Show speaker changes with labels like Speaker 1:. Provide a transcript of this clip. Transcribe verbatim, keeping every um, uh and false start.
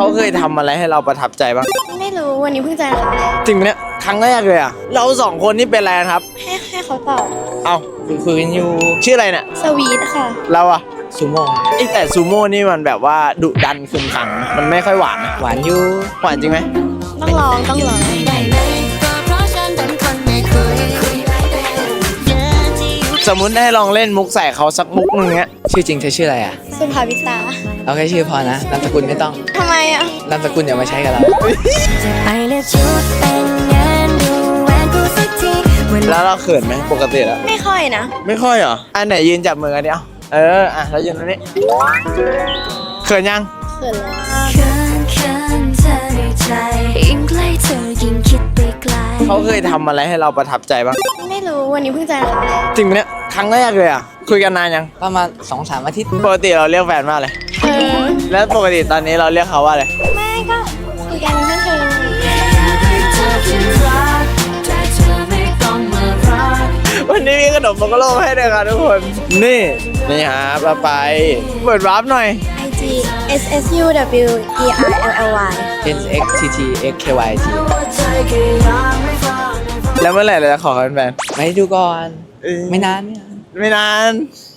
Speaker 1: เคยทำอะไรให้เราประทับใจบ้าง
Speaker 2: ไม่รู้วันนี้เพิ่งเจอครั้งแรก
Speaker 1: จริงไหมเนี่ยครั้งแรกเลยอ่ะเราสองคนนี่เป็นอะไรกันครับ
Speaker 2: ให้ให้เขาตอบ
Speaker 1: เอาคุยคุยกันอยู่ชื่ออะไรเนี่ย
Speaker 2: สวีทค่ะ
Speaker 1: เราอะซูโม่ไอแต่ซูโม่นี่มันแบบว่าดุดันขึงขังมันไม่ค่อยหวานนะหวานอยู่หวานจริงไหม
Speaker 2: ต้องลองต้องลอง
Speaker 1: สมมุติให้ลองเล่นมุกใส่เขาสักมุกนึงเงี้ย
Speaker 3: ชื่อจริงเธอชื่ออะไรอ่ะ
Speaker 2: สุภาวิตา
Speaker 3: เอาแค่ชื่อพอนะนามสกุลไม่ต้อง
Speaker 2: ทำไมอ่ะ
Speaker 3: นามสกุลอย่ามาใช้กับเรา
Speaker 1: แล้วเราเขินไหมปกติแล้ว
Speaker 2: ไม่ค่อยนะ
Speaker 1: ไม่ค่อยเหรออันไหนยืนจับมือกันเดียวเอออ่ะแล้วยืนตรงนี้เขินยัง
Speaker 2: เขินแล้ว
Speaker 1: เขาเคยทำอะไรให้เราประทับใจบ้าง
Speaker 2: ไม่รู้วันนี้เพิ่งเจอครั้งแรก
Speaker 1: จริงไหมเนี่ยครั้งแรกเลยอ่ะคุยกันนานยัง
Speaker 3: ประมาณสองสามอาทิตย์
Speaker 1: ปกติเราเรียกแฟนว่าอะไร
Speaker 2: เออ
Speaker 1: แล้วปกติตอนนี้เราเรียกเขาว่าอะไร
Speaker 2: ไม่ก็คุยกันเพื่อนเธอ
Speaker 1: วันนี้มีขนมโมกโลให้ด้วยครับทุกคนนี่นี่ฮะมาไปเปิดวาร์ปหน่อย
Speaker 2: ไอ จี S S U W E R L L Y
Speaker 3: N X T T X K Y T
Speaker 1: แล้วเมื่อไหร่เราจะขอกันแฟน
Speaker 3: ไปดูก่อนไม่นานไม่นาน
Speaker 1: ไม่นาน